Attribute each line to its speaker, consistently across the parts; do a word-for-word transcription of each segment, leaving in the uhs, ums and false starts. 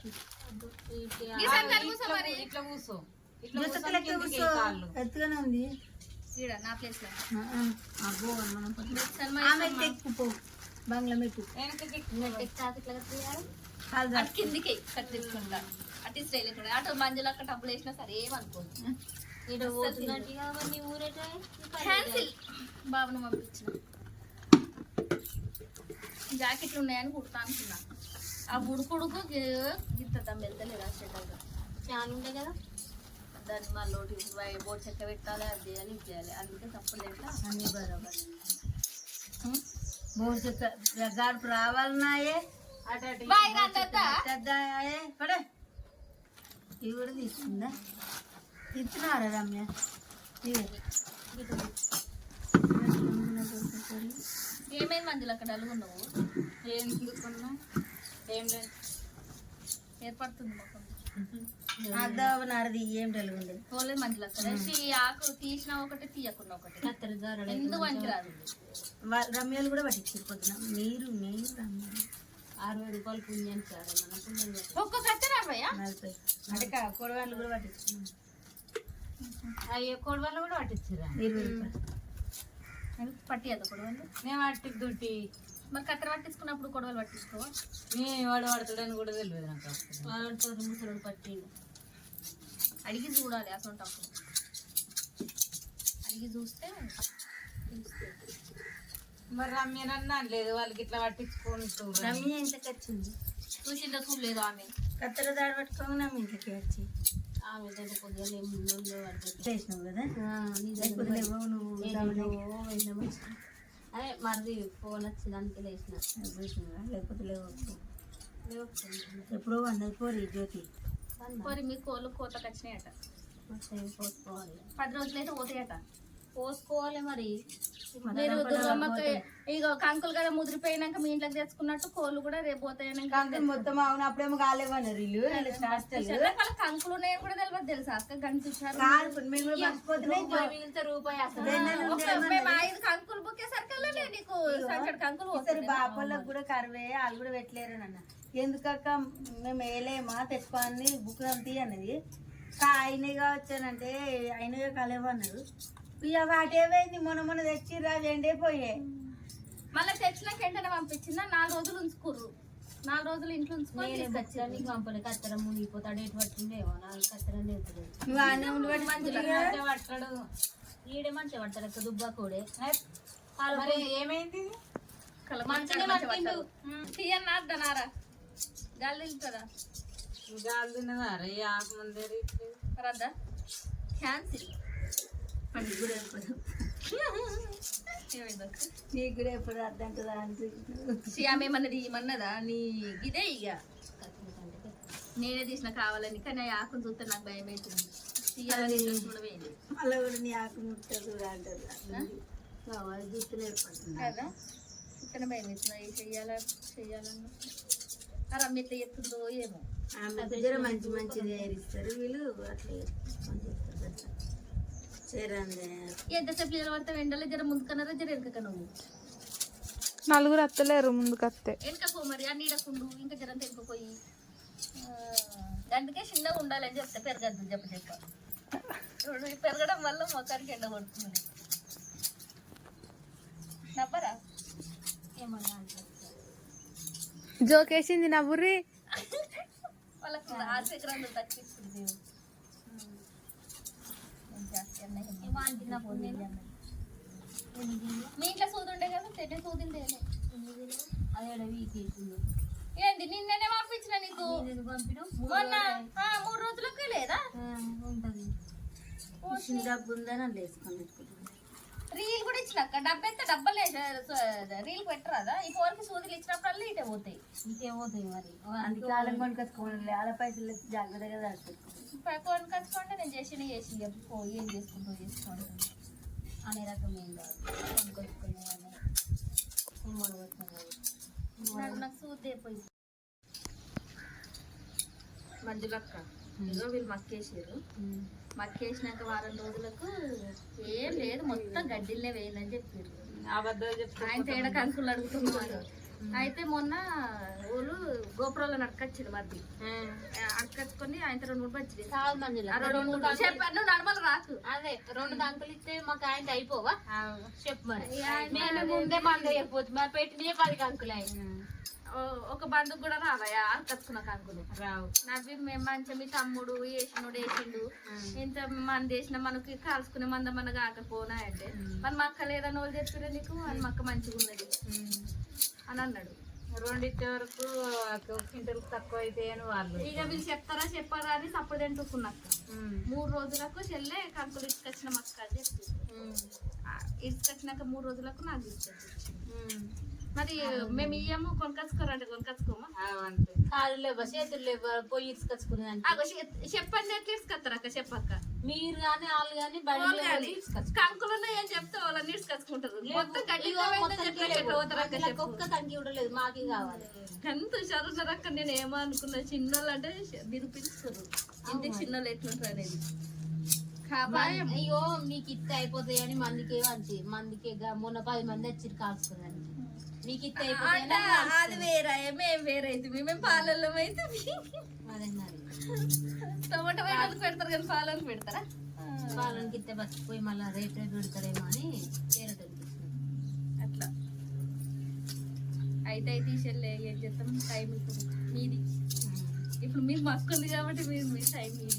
Speaker 1: ఇట్లా కూర్చో
Speaker 2: ఎత్తుగానే ఉంది
Speaker 3: నా ప్లేస్ లో
Speaker 2: ఎక్కుపో బంగ్లా మెట్టు
Speaker 3: కిందికి కట్టించుకుంటా అటు స్టైల్ అటు మంజులు అక్కడ డబ్బులు వేసినా సరే ఏమనుకోదు బాబును పంపించిన జాకెట్లు ఉన్నాయని కుడతా అనుకున్నా ఆ ఉడుకుడుకు గిద్దం వెళ్తలేదు ఆ షెడ్గా ఫ్యాన్ ఉండే కదా దాన్ని మళ్ళీ బోర్డు చెక్క పెట్టాలి అది చేయాలి ఇది చేయాలి అందుకే తప్పలేదు
Speaker 2: అన్ని బరాబర్ బోర్డు చెక్క గడుపు రావాలన్నాయే పడే ఇవి కూడా తీసుకుందా ఇస్తున్నారా రమ్య
Speaker 3: ఏమేమి మందులు అక్కడ అలుగున్నావు
Speaker 1: ఏం తీసుకున్నా ఏం లేదు
Speaker 3: ఏర్పడుతుంది మొత్తం
Speaker 2: నడది ఏం తెలుగుంది
Speaker 3: పోలేదు మందులు అక్కడ ఆకు తీసిన ఒకటి తీయకుండా ఒకటి ఎందుకు మంచి రాదు
Speaker 2: రమ్యలు కూడా పట్టించారు పొద్దున మీరు మీరు రమ్య
Speaker 1: అరవై రూపాయలు పుణ్యాన్ని సార్ మన పుణ్యం
Speaker 3: ఒక్క కత్తి రాబోయా
Speaker 2: నలభై అంటే కొడవాళ్ళు కూడా పట్టించుకున్నాం
Speaker 1: అయ్యో కొడవళ్ళు కూడా పట్టించారా
Speaker 2: ఇరవై రూపాయలు
Speaker 3: పట్టియద్దు కొడవలు
Speaker 1: మేము పట్టి దుట్టి
Speaker 3: మరి కత్తెర పట్టించుకున్నప్పుడు కొడవలు పట్టించుకోవా
Speaker 1: నేను వాడు పడతాడని కూడా తెలియదు నాకు
Speaker 3: వాడుతారు ముసలు పట్టి అడిగి చూడాలి అసలు అడిగి చూస్తే
Speaker 1: మరి రమ్యనన్నా లేదు వాళ్ళకి ఇట్లా పట్టించుకుంటూ
Speaker 2: రమ్య ఇంటికి వచ్చింది
Speaker 3: చూసిందో చూడలేదు ఆమె
Speaker 2: కత్తెర దాడి పట్టుకోగా నమ్మ ఇంటికి వచ్చి
Speaker 3: ఆమె దగ్గర కొద్దిగా
Speaker 2: చేసినావు కదా లేకపోతే లేవో నువ్వు
Speaker 3: అదే మరిది ఫోన్ వచ్చిందానికి లేచిన
Speaker 2: చూసినావా లేకపోతే లేవు ఎప్పుడో అన్నది పోరి జ్యోతి
Speaker 3: పోరి మీ కోళ్ళు కోతకు వచ్చినాయట పోసుకోవాలి పది రోజులైతే పోతాయట పోసుకోవాలి మరి మీరు దుర్గమ్మకి ఇక కంకులు కదా ముదిరిపోయినాక మీ ఇంట్లోకి తెచ్చుకున్నట్టు కోళ్ళు కూడా రేపు పోతాయని
Speaker 2: మొత్తం అవును అప్పుడేమో కాలేవన్నారు వీళ్ళు
Speaker 3: కంకులు ఉన్నాయని కూడా తెలియదు తెలుసా అక్క గంట చూసారు రూపాయి మేము ఐదు కంకులు బుక్కేసరికి నీకు కంకులు
Speaker 2: బాపళ్ళకి కూడా కరువే వాళ్ళు కూడా పెట్టలేరు అన్న ఎందుకక్క మేము వేయలేమా తెచ్చుకోని బుక్ అంతి అన్నది అయినగా వచ్చానంటే అయినగా కలేవన్నారు ఇక వాటేమైంది మొన్న మొన్న తెచ్చిర్రా ఎండే పోయాయి
Speaker 3: మళ్ళీ తెచ్చినాక వెంటనే పంపించిందా నాలుగు రోజులు ఉంచుకుర్రు నాలుగు రోజులు ఇంట్లో ఉంచుకొని
Speaker 1: నీకు పంపలే కత్తెర మునిగిపోతాడు ఎటు పట్టిండేమో నాకు కత్తెర లేదు పట్టాడు ఈడే మంచిగా పడతాడు అక్క దుబ్బా కూడా ఏమైంది
Speaker 3: తీయన్నారా గాలి తింటారా
Speaker 1: గాలి తిన్నదారా ఆకు ముందే
Speaker 3: రద్దా క్యాన్సిల్
Speaker 2: నీకు కూడా ఎప్పుడు అర్థం కదా
Speaker 3: శ్యామేమన్నది ఏమన్నదా నీ ఇదే ఇక నేనే తీసిన కావాలని కానీ ఆ ఆకును చూస్తే నాకు భయం అవుతుంది తీయాలని కూడా వేయలేదు
Speaker 2: మళ్ళీ కూడా నీ ఆకు ముట్టదు అంటారు కావాలి చూస్తూనే ఏర్పడుతుంది
Speaker 3: కదా ఇక్కడ భయం అవుతుంది అవి చెయ్యాలా చెయ్యాలన్న రమ్య ఎట్లా చెప్తుందో ఏమో
Speaker 2: ఆమె దగ్గర మంచి మంచిది ఏరిస్తారు వీళ్ళు అట్లా
Speaker 3: ఎంతసేపు నీళ్ళు పడతావు ఎండలో జర ముందుకన్నారా జర వెనక నువ్వు
Speaker 4: నలుగురు అత్తలేరు ముందుకు అత్తే
Speaker 3: వెనకపో మరి ఆ నీడకుండు ఇంకా జరంత వెనుకపోయి అందుకే చిన్నగా ఉండాలని చెప్తే పెరగద్దు చెప్ప చెప్ప పెరగడం వల్ల మొక్కడికి ఎండ కొడుతుంది నవ్వరా ఏమన్నా
Speaker 4: జోకేసింది నవ్వుర్రి
Speaker 3: వాళ్ళకి ఆశగ్రంథం తగ్గిస్తుంది మీ ఇంట్లో సూది ఉండే కదా తెడ్డ సూదింది ఏంటి నిన్ననే పంపించిన నీకు మొన్న మూడు రోజులకే లేదా
Speaker 2: డబ్బు ఉందని వేసుకొని
Speaker 3: రీల్ కూడా ఇచ్చినాక డబ్బు ఎంత డబ్బలే రీల్ పెట్టరాదా ఈ ఫోన్కి సూదులు ఇచ్చినప్పుడల్లా ఇటే పోతాయి
Speaker 2: ఇటే పోతాయి మరి అందుకాలం కొనుకొచ్చుకోండి వాళ్ళ పైసలు జాగ్రత్తగా
Speaker 3: కొనుకొచ్చుకోండి నేను చేసిన చేసి ఏం చేసుకుంటూ చేసుకోండి అనే రకం ఏం కాదు కొనుకొచ్చుకునేవాడిని నాకు సూది అయిపోయి మంజులక్క ఇదో వీళ్ళు మక్కేసారు మక్కేసినాక వారం రోజులకు ఏం లేదు మొత్తం గడ్డిల్లే వేయాలని చెప్పారు
Speaker 1: అబద్ధాలు చెప్తారు
Speaker 3: ఆయన తేడా కంకులు అడుగుతున్నారు అయితే మొన్న వాళ్ళు గోపురంలో నడకొచ్చిండు మధ్య అడకచ్చుకొని ఆయన రెండు మూడు వచ్చింది
Speaker 1: కాదు మంజుల
Speaker 3: రెండు మూడు చెప్పాను నువ్వు నడమలు రాకు
Speaker 1: అదే రెండు కంకులు ఇస్తే మాకు ఆయన అయిపోవా చెప్పు మరి నేను ముందే మంద అయిపోతుంది మరి పెట్టినే పది కంకులు అయ్యి
Speaker 3: ఒక బంధుకు కూడా రావయ్యా అడకచ్చుకున్న కంకులు
Speaker 1: రావు
Speaker 3: నవ్వి మేము మంచిగా మీ తమ్ముడు వేసినోడు వేసిండు ఇంత మంది వేసిన మనకి కాల్చుకునే మంద మన కాకపోనా అంటే మన మక్క లేదని వాళ్ళు చెప్పారు నీకు అని మక్క మంచిగా ఉన్నది అని అన్నాడు
Speaker 1: రెండింటి వరకు క్వింటల్ తక్కువ అయితే అని వాళ్ళు
Speaker 3: ఇక వీళ్ళు చెప్తారా చెప్పారా అని సప్పుడు తింటుకున్నాక మూడు రోజులకు చెల్లె కంకులు ఇసుకొచ్చిన మక్క అని చెప్పి ఇసుకొచ్చినాక మూడు రోజులకు నాకు ఇచ్చేది మరి మేము ఇయ్యము కొనుకొచ్చుకోరంటే కొనుకొచ్చుకోమా
Speaker 1: కాళ్ళు లేవా చేతులు లేవా పోయి ఇసుకొచ్చుకునేదానికి
Speaker 3: అగో చెప్పండి ఎట్లా ఇసుకొస్తారు అక్క చెప్పక్క
Speaker 1: మీరు కానీ వాళ్ళు కానీ బడి
Speaker 3: కంకులు ఉన్నాయని చెప్తే వాళ్ళని ఇసుకొచ్చుకుంటారు మొత్తం గడ్డి
Speaker 1: ఒక్క కంకి కూడా లేదు మాకి కావాలి
Speaker 3: ఎంత చదువుతారక్క నేను ఏమో అనుకున్నా చిన్నోళ్ళు అంటే నిరూపించుకోరు ఇంటికి చిన్నోళ్ళు ఎట్లుంటారు అనేది
Speaker 1: అయ్యో మీకు ఇత్త అయిపోతాయి అని మందికే మంచి మందికి మొన్న పది మంది వచ్చి కాల్చుకోదానికి మీకు ఇత్త అయిపోతాయి
Speaker 3: అది వేరే మేము వేరే అయితే మేము పాలల్లో అయితే టమాటో వేయడానికి పెడతారు కానీ పాలకి పెడతారా
Speaker 1: పాలకి ఇత్తే బతికిపోయి మళ్ళీ రేట్ రేట్ పెడతారేమో అని వేరే
Speaker 3: అట్లా అయితే అయితే తీసేళ్ళే ఏం చేస్తాం టైం ఇప్పుడు మీది ఇప్పుడు మీకు మక్కు ఉంది కాబట్టి మీరు మీ టైం మీది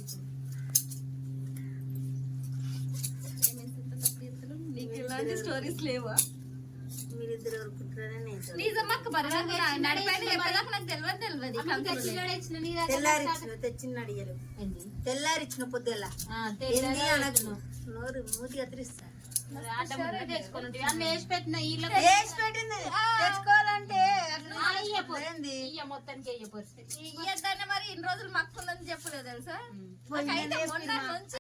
Speaker 3: ఇప్పుడు నీకు ఇలాంటి స్టోరీస్ లేవా
Speaker 2: మీరిద్దరు ఊరుకుంటారని
Speaker 3: నిజం అక్క మరి నడిపోయిన చెప్పేదాకా నాకు తెలియదు తెలియదు
Speaker 2: తెల్లారిచ్చిన తెచ్చిన అడిగారు తెల్లారిచ్చిన పొద్దులా నోరు మూతి కత్తిరిస్తా
Speaker 1: వేసి పెట్టిన
Speaker 2: వేసి పెట్టింది తెచ్చుకోవాలంటే
Speaker 1: మొత్తానికి అయ్యే పరిస్థితి
Speaker 3: ఇయ్యద్దని మరి ఇన్ని రోజులు మక్కుందని చెప్పలేదు తెలుసా
Speaker 2: పొయ్యి మీద
Speaker 3: మొన్న నుంచి